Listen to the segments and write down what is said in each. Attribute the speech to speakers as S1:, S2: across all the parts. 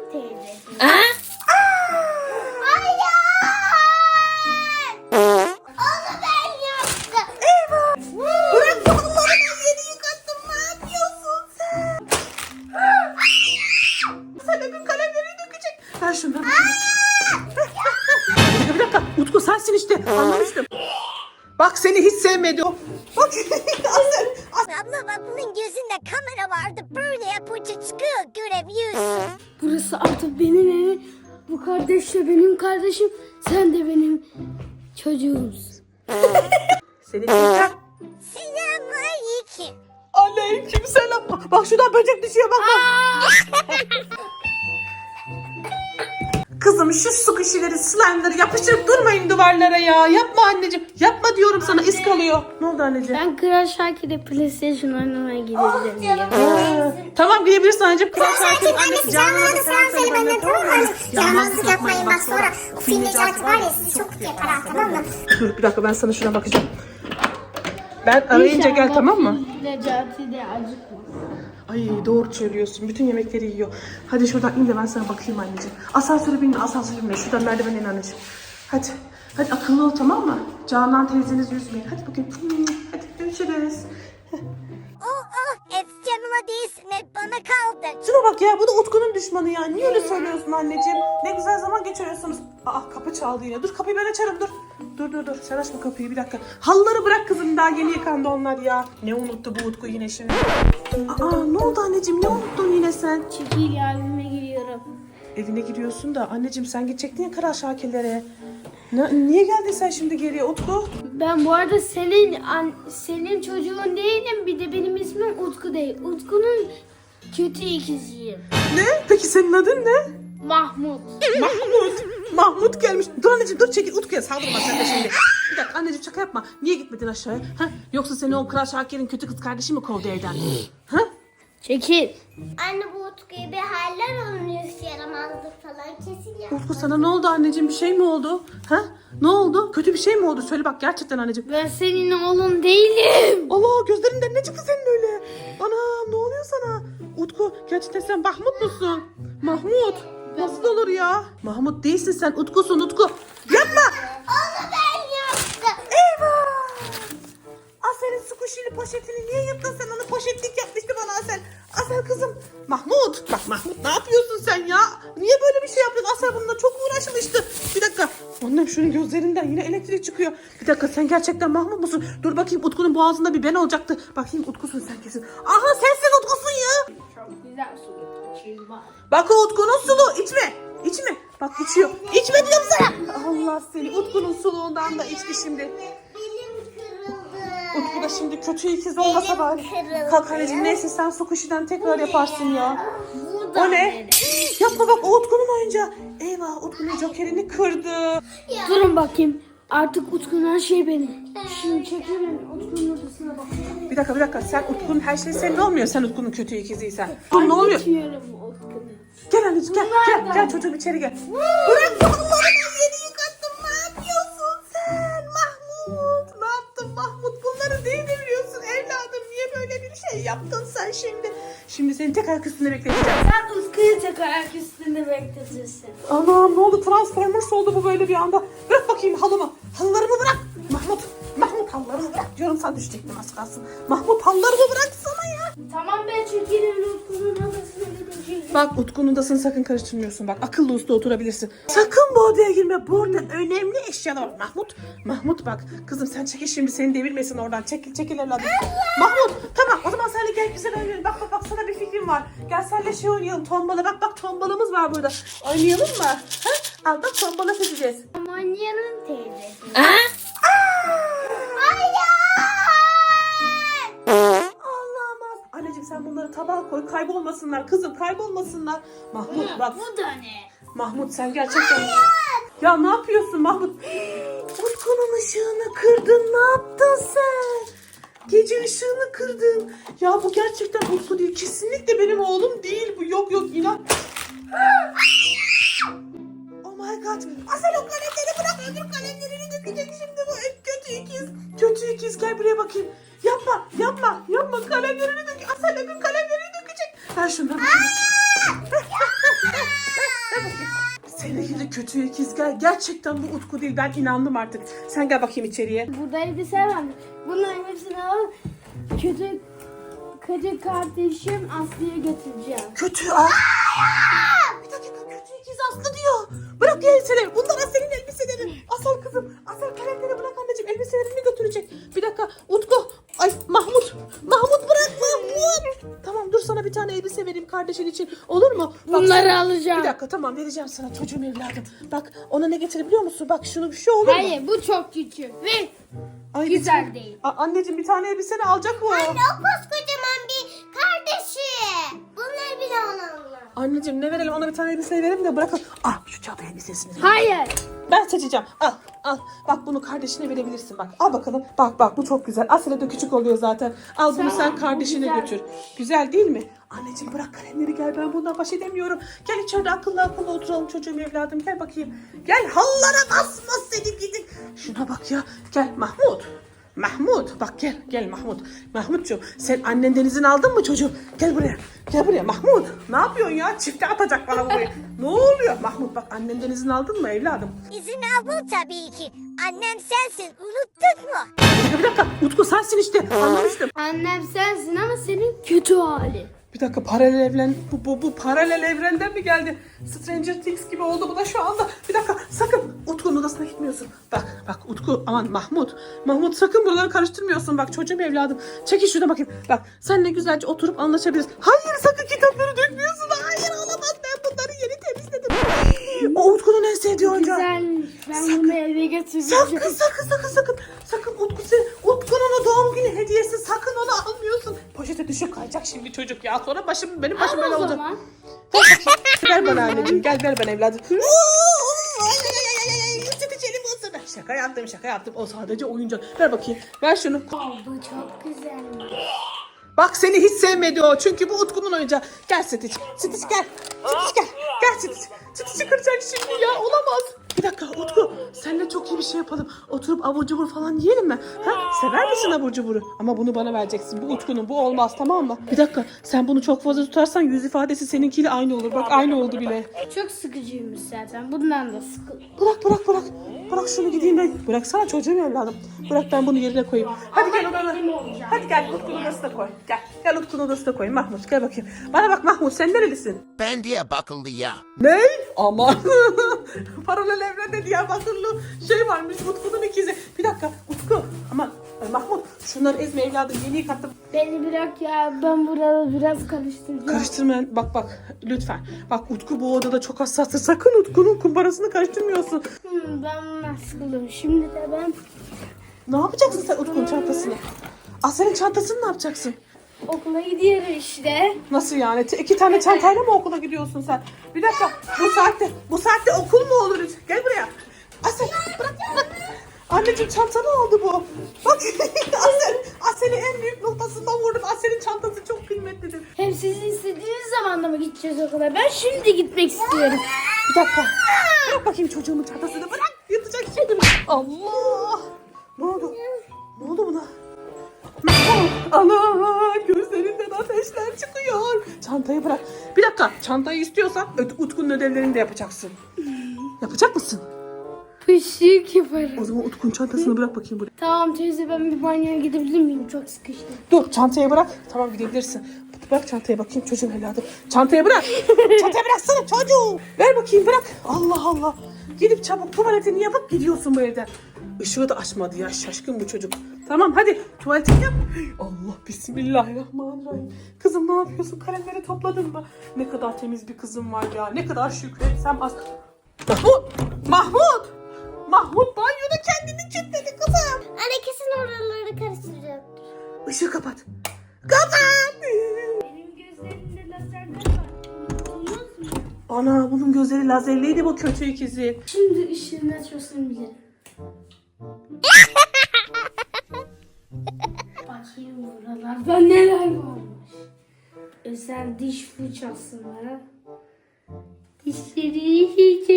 S1: teyzesi.
S2: Hayır! Onu ben yaptım. Eyvah! Bırak kollarını, yeni yıkattım. Ne yapıyorsun sen?
S3: Sen öbür kalemleri dökecek. Ver şunları. Bir dakika. Utku sensin işte. Anlamıştım. Bak seni hiç sevmedi o. Bak
S2: Abla bak bunun gözünde kamera vardı. Böyle yapınca çıkıyor, görebiliyorsun.
S1: Burası artık benim evim. Bu kardeş de benim kardeşim. Sen de benim çocuğumsun.
S3: Seni çekeceğim.
S2: Selamünaleyküm.
S3: Aleyküm selam. Bak şuradan böcek düşüyor bak bak. Kızım şu su kişileri, slime'ları yapıştırıp durmayın duvarlara ya. Yapma anneciğim. Yapma diyorum sana, iz kalıyor. Ne oldu anneciğim?
S1: Ben Kral Şakir'e PlayStation oynamaya gideceğim diye.
S3: Tamam gidebilirsin anneciğim. Kral Şakir'in
S2: Annesi
S3: annesi
S2: Canan'a
S3: Canan'a
S2: da selam söyle benden, tamam mı? Canan'sız yapmayın bak sonra. O film Necati var ya, sizi çok yapar, tamam mı?
S3: Dur bir dakika, ben sana şuna bakacağım. Ben arayınca gel, tamam mı?
S1: Necati de acıkma.
S3: Ay doğru söylüyorsun. Bütün yemekleri yiyor. Hadi şuradan in de ben sana bakayım anneciğim. Asansöre binme, asansöre binme. Şuradan merdivene in anneciğim. Hadi. Hadi akıllı ol, tamam mı? Canan teyzenizi üzmeyin. Hadi bakayım. Hadi görüşürüz.
S2: Hep canıma değilsin, hep bana kaldı.
S3: Şuna bak ya, bu da Utku'nun düşmanı ya. Niye öyle söylüyorsun anneciğim? Ne güzel zaman geçiriyorsunuz. Aa kapı çaldı yine. Dur kapıyı ben açarım dur. Dur. Sen açma kapıyı bir dakika. Halıları bırak kızım, daha yeni yıkandı onlar ya. Ne unuttu bu Utku yine şimdi? Aa ne oldu anneciğim, ne unuttun yine sen?
S1: Çekil evime giriyorum.
S3: Evine giriyorsun da anneciğim sen gidecektin ya Kral Şakirlere. Niye geldin sen şimdi geriye Utku?
S1: Ben bu arada senin çocuğun değilim. Bir de benim ismim Utku değil. Utku'nun kötü ikiziyim.
S3: Ne? Peki senin adın ne?
S1: Mahmut.
S3: Mahmut gelmiş. Dur anneciğim dur, çekil, Utku'ya saldırma sen de şimdi. Bir dakika anneciğim, şaka yapma. Niye gitmedin aşağıya? Ha? Yoksa seni o Kral Şakir'in kötü kız kardeşi mi kovdu evden? Ha?
S1: Çekil.
S2: Anne bu Utku'ya bir haller oluyor, yaramazlık falan kesin ya.
S3: Utku sana ne oldu anneciğim, bir şey mi oldu? Ha? Ne oldu? Kötü bir şey mi oldu? Söyle bak gerçekten anneciğim.
S1: Ben senin oğlun değilim.
S3: Allah, gözlerinden ne çıktı senin öyle? Anam ne oluyor sana? Utku gerçekten sen Mahmut musun? Mahmut. Nasıl olur ya? Mahmut değilsin sen, Utku'sun Utku. Yapma.
S2: Onu ben yaptım.
S3: Eyvah! Asel'in su kuşuyla poşetini niye yırttın sen? Onu poşetlik yapmıştı bana Asel. Asel kızım. Mahmut. Bak Mahmut, ne yapıyorsun sen ya? Niye böyle bir şey yaptın? Asel bununla çok uğraşmıştı. Bir dakika. Annem şunun gözlerinden yine elektrik çıkıyor. Bir dakika, sen gerçekten Mahmut musun? Dur bakayım, Utku'nun boğazında bir ben olacaktı. Bakayım Utku'sun sen kesin. Aha sensin Utku'sun ya.
S1: Çok güzel su getirmişiz bak.
S3: Bak o Utku'nun sulu. İçme. İçme. Bak içiyor. İçme diyorum sana. Allah seni. Utku'nun suluğundan da içti şimdi.
S2: Belim kırıldı.
S3: Utku da şimdi kötü ikiz olmasa bari.
S2: kırıldı.
S3: Kalk anneciğim, neyse sen su kuşiden tekrar yaparsın ya.
S1: Bu da
S3: O ne?
S1: benim.
S3: Yapma bak, o Utku'nun oyuncağı. Eyvah, Utku'nun jokerini kırdı.
S1: Durun bakayım. Artık Utku'nun her şeyi benim. Şimdi çekelim Utku'nun odasına bak.
S3: Bir dakika, sen Utku'nun her şeyi senin olmuyor. Sen Utku'nun kötü ikiziysen. Dur ne oluyor?
S1: Geçiyorum Utku'nu.
S3: Gel anneciğim gel çocuğum içeri gel. Bırak kollarını, yeni yıkattım. Ne yapıyorsun sen Mahmut? Ne yaptın Mahmut? Bunları değil mi biliyorsun evladım? Niye böyle bir şey yaptın sen şimdi? Şimdi seni tek ayak üstünde bekleteceğim.
S1: Sen Utku'yu tek ayak üstünde bekletirsin.
S3: Anam ne oldu? Transformers oldu bu böyle bir anda. Bırak bakayım halımı. Halılarımı bırak. Mahmut halılarımı bırak diyorum, sen düşecektin az kalsın. Mahmut halılarımı bıraksana ya.
S1: Tamam ben çekilirim Utku'nun odasına gideceğim.
S3: Bak Utku'nun odasını sakın karıştırmıyorsun. Bak akıllı uslu oturabilirsin. Sakın bu odaya girme. Bu orada önemli eşyalar var. Mahmut bak. Kızım sen çekil şimdi, seni devirmesin oradan. Çekil evladım. Mahmut tamam, o zaman senle gel güzel oynayalım. Bak sana bir fikrim var. Gel senle şey oynayalım, tombala. Bak tombalamız var burada. Oynayalım mı? Ha? Al bak, tombala seçeceğiz.
S1: Manya'nın teyzesi.
S3: Allah'ım. Anneciğim sen bunları tabağa koy, kaybolmasınlar. Kızım kaybolmasınlar. Mahmut bak.
S1: Bu da ne?
S3: Mahmut sen gerçekten... Ya ne yapıyorsun Mahmut? Utku'nun ışığını kırdın. Ne yaptın sen? Gece ışığını kırdın. Ya bu gerçekten Utku değil. Kesinlikle benim oğlum değil bu. Yok inan. Oh my god. Asel o kalemleri bırak. Öbür kalemlerini dökecek şimdi bu kötü ikiz. Kötü ikiz, gel buraya bakayım. Yapma. Kalemlerini dök. Asel öbür kalemlerini dökecek. Ver şunları. Seni gidi kötü ikiz gel. Gerçekten bu Utku değil. Ben inandım artık. Sen gel bakayım içeriye.
S1: Burada elbise var. Bunların hepsini alıp kötü kardeşim Aslı'ya götüreceğim.
S3: Kötü Bir dakika kötü ikiz Aslı diyor. Bırak elbiseleri. Bunlar Asel'in elbiseleri. Asel kızım. Asel kalemleri bırak anneciğim. Elbiselerini götürecek. Bir dakika Utku. Ay Mahmut. Mahmut bırak Mahmut. Tamam dur sana bir tane elbise vereyim kardeşin için. Olur mu? Bak,
S1: Bunları alacağım.
S3: Bir dakika tamam vereceğim sana çocuğum evladım. Bak ona ne getirebiliyor musun? Bak şunu bir şey olur mu?
S1: Hayır bu çok küçük ve
S3: Ay,
S1: güzel değil.
S3: Anneciğim bir tane elbiseni alacak mı?
S2: Anne o koskocaman bir kardeşi. Bunlar bile ona.
S3: Anneciğim ne verelim ona bir tane elbise verelim de bırakın. Ah şu cadı elbisesini.
S1: Hayır.
S3: Ben seçeceğim. Al. Bak bunu kardeşine verebilirsin bak. Al bakalım. Bak bu çok güzel. Aslında da küçük oluyor zaten. Al bunu
S1: Tamam,
S3: sen
S1: bu
S3: kardeşine
S1: güzel.
S3: götür. Güzel değil mi? Anneciğim bırak kalemleri gel. Ben bundan baş edemiyorum. Gel içeride akıllı oturalım çocuğum evladım. Gel bakayım. Gel hallara basma seni gidin. Şuna bak ya. Gel Mahmut bak gel Mahmut. Mahmutcuğum sen annenden izin aldın mı çocuğum? Gel buraya Mahmut. Ne yapıyorsun ya? Çifte atacak bana burayı. Ne oluyor? Mahmut bak annenden izin aldın mı evladım?
S2: İzin aldım tabii ki. Annem sensin. Unuttun mu?
S3: Bir dakika Utku sensin işte anlamıştım.
S1: Annem sensin ama senin kötü hali.
S3: Bir dakika paralel evren bu paralel evrenden mi geldi? Stranger Things gibi oldu bu da şu anda. Bir dakika sakın Utku'nun odasına gitmiyorsun. Bak Utku aman Mahmut sakın buraları karıştırmıyorsun. Bak çocuğum evladım. Çekil şurada bakayım. Bak seninle güzelce oturup anlaşabiliriz. Hayır sakın kitapları dökmüyorsun. Hayır olamaz ben bunları yeni temizledim. O Utku'nun en sevdiği oyuncağı.
S1: Güzelmiş. Ben bunu eve götüreceğim.
S3: Sakın Utku'nun o doğum günü hediyesi sakın onu almıyorsun. Poşete düşüp kayacak şimdi çocuk ya. Sonra benim başım böyle
S1: Al o
S3: olacak.
S1: zaman.
S3: Ver bana anneciğim gel ver bana evladım. Şaka yaptım. O sadece oyuncak. Ver bakayım. Ver şunu.
S1: Bu çok güzelmiş.
S3: Bak seni hiç sevmedi o. Çünkü bu Utku'nun oyuncağı. Gel Stitch. Stitch gel. Gel Stitch. Stitch'i kıracak şimdi ya. Olamaz. Bir dakika Utku. Seninle çok iyi bir şey yapalım. Oturup abur cubur falan yiyelim mi? Ha? Sever misin abur cuburu? Ama bunu bana vereceksin. Bu Utku'nun. Bu olmaz tamam mı? Bir dakika. Sen bunu çok fazla tutarsan yüz ifadesi seninkiyle aynı olur. Bak aynı oldu bile.
S1: Çok sıkıcıymış zaten. Bundan da sıkıl.
S3: Bırak. Bırak şunu gideyim ben. Bıraksana çocuğum evladım. Bırak ben bunu yerine koyayım. Hadi gel odana. Hadi gel Utku'nun odasına koy. Gel Utku'nun odasına koy. Mahmut gel bakayım. Bana bak Mahmut sen nerelisin?
S4: Ben Diyarbakırlı'ya.
S3: Ne? Aman. Paralel evrende Diyarbakırlı şey varmış Utku'nun ikizi. Bir dakika Utku. Aman Mahmut şunları ezme evladım yeni yıkattım.
S1: Beni bırak ya. Ben burada biraz karıştıracağım.
S3: Karıştırmayın. Bak lütfen. Bak Utku bu odada çok hassastır. Sakın Utku'nun kumbarasını karıştırmıyorsun.
S1: Ben bundan sıkıldım. Şimdi de ben
S3: Ne yapacaksın sen Utku'nun çantasını? Senin çantasını ne yapacaksın?
S1: okula gidiyorum işte.
S3: Nasıl yani? İki tane çantayla mı okula gidiyorsun sen? Bir dakika. Bu saatte okul mu olur hiç? Gel buraya. Asel bırak. Anneciğim çantanı aldı bu. Bak Asel'i en büyük noktasından vurdum. Asel'in çantası çok kıymetlidir.
S1: Hem siz istediğiniz zaman da mı gideceğiz okula? Ben şimdi gitmek istiyorum.
S3: Bir dakika. Bırak bakayım çocuğumun çantasını. Bırak. Yatacak şimdi. Allah. Ne oldu? Ne oldu buna? Ana gözlerinden ateşler çıkıyor. Çantayı bırak. Bir dakika çantayı istiyorsan Utku'nun ödevlerini de yapacaksın. Yapacak mısın?
S1: Pışık yaparım.
S3: O zaman Utku'nun çantasını bırak bakayım buraya.
S1: Tamam teyze ben bir banyoya gidebilir miyim? Çok sıkıştım.
S3: Dur çantayı bırak. Tamam gidebilirsin. Bırak çantaya bakayım çocuğum evladım. Çantayı bırak. Çantayı bıraksana çocuğum. Ver bakayım bırak. Allah. Gidip çabuk tuvaletini yapıp gidiyorsun bu evden. Işığı da açmadı ya şaşkın bu çocuk. Tamam hadi tuvaletini yap. Allah bismillahirrahmanirrahim. Kızım ne yapıyorsun? Kalemleri topladın mı? Ne kadar temiz bir kızım var ya. Ne kadar şükretsem az. Mahmut banyoda kendini kilitledi kızım.
S2: Anne kesin oraları karıştıracak.
S3: Işığı kapat. Kapat.
S1: Benim gözlerimde lazerler var. Unuttunuz mu?
S3: Ana bunun gözleri lazerliydi bu kötü ikizi.
S1: Şimdi ışığını açmasını bilirim. Bakayım buralarda neler varmış. Özel diş fırçası var. Dişleri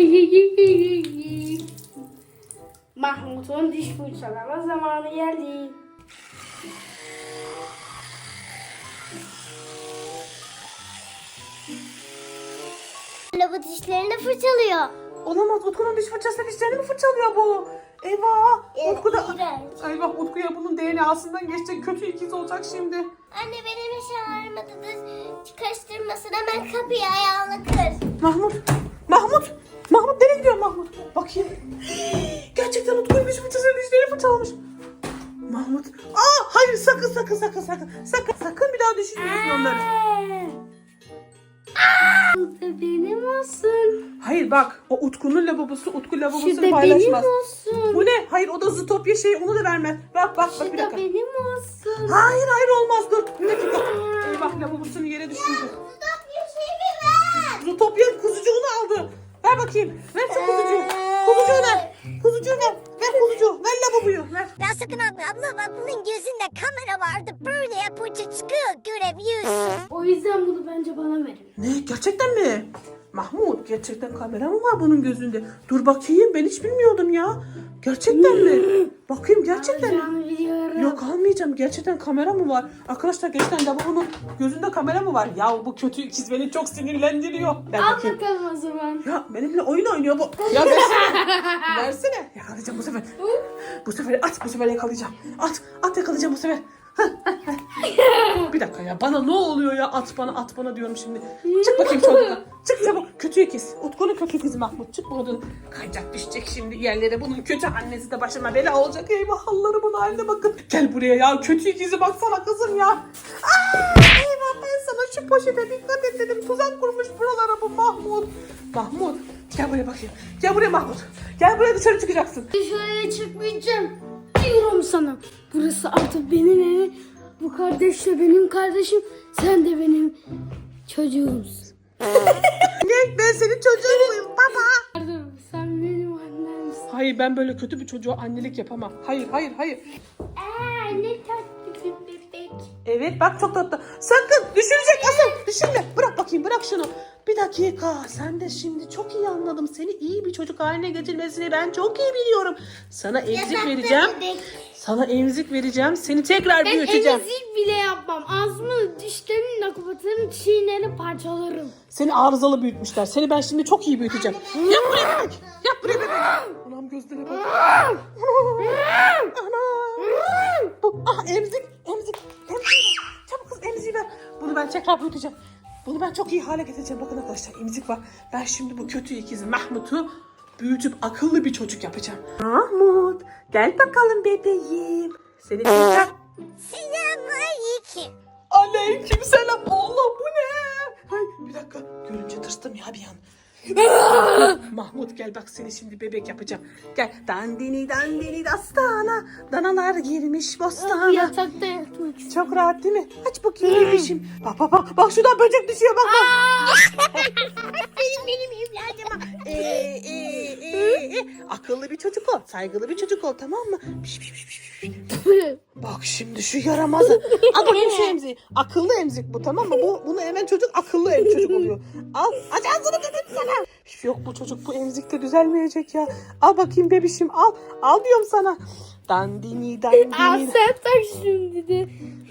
S1: Mahmut'un diş fırçalama zamanı geldi.
S2: Anne bu dişlerini fırçalıyor.
S3: Olamaz. Utku'nun diş fırçasıyla dişlerini mi fırçalıyor bu? Eyvah. Utku da...
S1: İğrenç.
S3: Eyvah, Utku'ya bunun DNA'sından geçecek. Kötü ikiz olacak şimdi.
S2: Anne benim hiç ağrımadı da karıştırmasın, hemen kapıyı ayağına kır.
S3: Mahmut. Mahmut. Mahmut nereye gidiyor Mahmut? Bakayım. Gerçekten Utku'nun diş fırçasıyla dişlerini fırçalamış. Mahmut. Hayır, sakın. Sakın bir daha düşünmüyorsun onları.
S1: Bu da benim olsun.
S3: Hayır bak, o Utku'nun lavabosu, Utku
S1: Şu da
S3: lavabosunu
S1: benim
S3: paylaşmaz.
S1: olsun.
S3: Bu ne? Hayır, o da Zootopia şeyi, onu da vermez. Bak
S1: Şu
S3: bir
S1: da
S3: dakika.
S1: benim olsun.
S3: Hayır olmaz, dur. Bir dakika. Eyvah, lavabosunu yere düşürdü.
S2: Stop bir şey mi ver?
S3: Zootopia kuzucuğunu aldı. Ver bakayım. Ver şu kuzucuğu. Kuzucuğu ver. Kuzucuğu ver. Ver kuzucuğu. Ver lavaboyu. Ver.
S2: Ya sakın abla bak, bunun gözünde kamera vardı. Böyle yapınca çıkıyor, görebiliyorsun.
S1: O yüzden bunu bence bana verin.
S3: Ne? Gerçekten mi? Mahmut, gerçekten kamera mı var bunun gözünde? Dur bakayım, ben hiç bilmiyordum ya. Gerçekten mi? Bakayım, gerçekten mi?
S1: Alacağımı biliyorum.
S3: Yok, almayacağım. Gerçekten kamera mı var? Arkadaşlar, gerçekten lavabonun gözünde kamera mı var? Ya bu kötü ikiz beni çok sinirlendiriyor. Ver
S1: Al
S3: bakayım.
S1: bakalım o zaman.
S3: Ya benimle oyun oynuyor bu. Ya versene. Versene. Yakalayacağım bu sefer. Bu sefer at. Bu sefer yakalayacağım. At yakalayacağım bu sefer. Bir dakika ya, bana ne oluyor ya? At bana diyorum şimdi. Çık bakayım çabuk. Çık çabuk. Kötü ikiz. Utku'nun kötü ikizi Mahmut. Çık buradan. Kayacak, düşecek şimdi yerlere. Bunun kötü annesi de başıma bela olacak. Eyvah, Allah'ım haline bakın. Gel buraya ya. Kötü ikizi baksana kızım ya. Eyvah, ben sana şu poşete dikkat et dedim. Tuzak kurmuş buralara bu Mahmut. Mahmut, gel buraya bakayım. Gel buraya Mahmut. Gel buraya, dışarı çıkacaksın.
S1: Dışarıya çıkmayacağım. Diyorum sana. Burası artık benim evim. Bu kardeş de benim kardeşim. Sen de benim çocuğumsun.
S3: Ne? Ben senin çocuğun muyum baba?
S1: Pardon, sen benim annemsin.
S3: Hayır, ben böyle kötü bir çocuğa annelik yapamam. Hayır.
S1: Ne tatlı bir bebek.
S3: Evet, bak çok tatlı. Sakın düşürecek Asel. Düşürme. Bırak bakayım, bırak şunu. Bir dakika. Sen de şimdi çok iyi anladım. Seni iyi bir çocuk haline getirmesini ben çok iyi biliyorum. Sana emzik vereceğim. Sana emzik vereceğim. Seni tekrar
S1: Ben
S3: büyüteceğim.
S1: emzik bile yapmam. Ağzımı dişlerimle kapatırım, çiğnerim, parçalarım.
S3: Seni arızalı büyütmüşler. Seni ben şimdi çok iyi büyüteceğim. Yap buraya bebek. Yap buraya bebek. Anam gözlere bak. Ana. Emzik. Çabuk kız, emziği ver. Bunu ben tekrar büyüteceğim. Bunu ben çok iyi hale getireceğim. Bakın arkadaşlar, emzik var. Ben şimdi bu kötü ikizi Mahmut'u büyütüp akıllı bir çocuk yapacağım. Mahmut, gel bakalım bebeğim. Seni tekrar...
S2: Selamünaleyküm.
S3: Aleykümselam. Allah, bu ne? Ay, bir dakika. Görünce tırstım ya bir an. Mahmut gel bak, seni şimdi bebek yapacağım. Gel. Dandini dastana. Danalar girmiş bostana.
S1: Yatakta yatmak istiyorum.
S3: Çok rahat değil mi? Aç bakayım bebişim. Bak. Bak şuradan böcek düşüyor bak. benim evladıma. Akıllı bir çocuk ol. Saygılı bir çocuk ol, tamam mı? Piş. Bak şimdi şu yaramazı. Al bakayım şu emziği. Akıllı emzik bu, tamam mı? Bunu hemen çocuk akıllı çocuk oluyor. Al. Aç ağzını dedim sana. Yok, bu çocuk bu emzikte düzelmeyecek ya. Al bakayım bebişim, al. Al diyorum sana. Dandini.
S1: Sen tak şimdi de.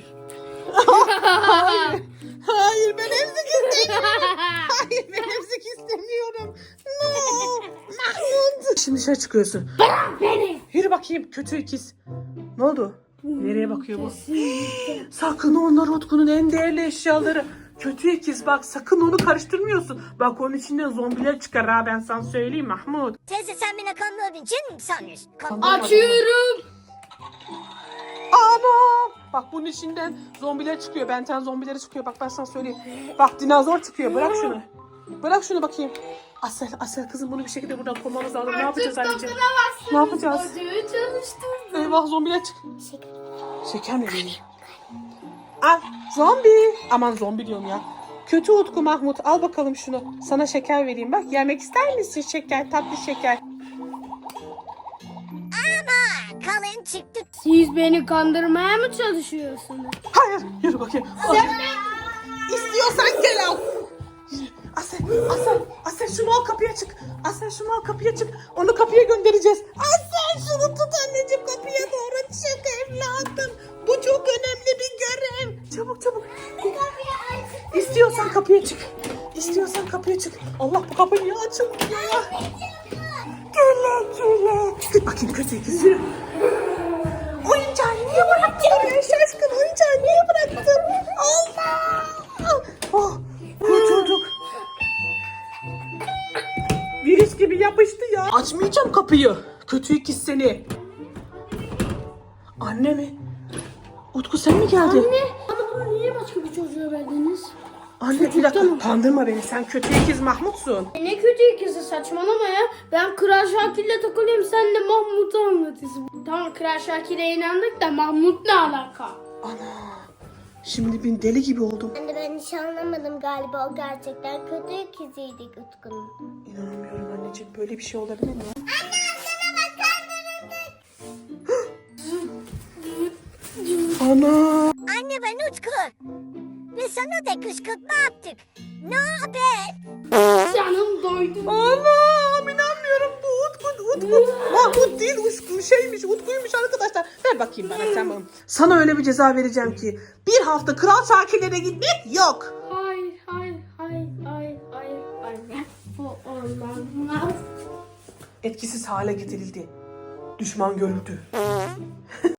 S3: Hayır, ben emzik istemiyorum. Hayır, ben emzik istemiyorum. No. Mahmut. Şimdi dışarı çıkıyorsun.
S1: Beni.
S3: Yürü bakayım kötü ikiz. Ne oldu? Nereye bakıyor bu? Sakın, onlar Utku'nun en değerli eşyaları. Kötü ikiz, bak sakın onu karıştırmıyorsun. Bak onun içinden zombiler çıkar ha, ben sana söyleyeyim Mahmut.
S2: Teyze, sen beni kandırabilir misin sanıyorsun?
S1: Açıyorum.
S3: Anam! Bak bunun içinden zombiler çıkıyor. Benten zombileri çıkıyor. Bak ben sana söyleyeyim. Bak dinozor çıkıyor. Bırak şunu. Bırak şunu bakayım. Asel kızım, bunu bir şekilde buradan kovmamız lazım. Ne yapacağız anneciğim? Ne yapacağız?
S1: Çocuğu çalıştırdım.
S3: Eyvah, zombiler çık. Şeker mi vereyim? Al zombi. Aman zombi diyorum ya. Kötü Utku Mahmut, al bakalım şunu. Sana şeker vereyim bak. Yemek ister misin şeker? Tatlı şeker.
S2: Ama kalın çıktı.
S1: Siz beni kandırmaya mı çalışıyorsunuz?
S3: Hayır. Yürü bakayım. İstiyorsan gel al. Yürü. Asel şunu al, kapıya çık. Onu kapıya göndereceğiz. Asel şunu tut anneciğim, kapıya doğru çık evladım. Bu çok önemli bir görev. Çabuk. İstiyorsan kapıya çık. Allah, bu kapı niye açılmıyor ya? Güle güle. Git bakayım kötü ikiz. Yürü. Oyuncağı niye bıraktın oraya şaşkın? Oyuncağı niye bıraktın? Allah. Oh, kurtulduk. Virüs gibi yapıştı ya. Açmayacağım kapıyı. Kötü ikiz seni. Anne mi? Utku sen mi geldin?
S1: Anne, bana bunu niye başka bir çocuğa verdiniz?
S3: Anne bir dakika kandırma beni, sen kötü ikiz Mahmut'sun.
S1: Ne kötü ikizi, saçmalama ya. Ben Kral Şakir'le takılıyorum, sen de Mahmut'u anlatıyorsun. Tamam, Kral Şakir'e inandık da Mahmut ne alaka?
S3: Ana, şimdi ben deli gibi oldum.
S2: Anne ben hiç anlamadım galiba, o gerçekten kötü ikiziydi Utku'nun.
S3: İnanamıyorum anneciğim, böyle bir şey olabilir mi? Ana.
S2: Anne ben Utku. Ve sana da kışkırtma yaptık. Ne haber?
S1: Canım doydu.
S3: Anam inanmıyorum, bu Utku. Mahmut değil, Utku'ymuş arkadaşlar. Ver bakayım bana sen bana. Sana öyle bir ceza vereceğim ki bir hafta Kral Şakirlere gitmek yok.
S1: Hayır. Bu olamaz.
S3: Etkisiz hale getirildi. Düşman görüldü.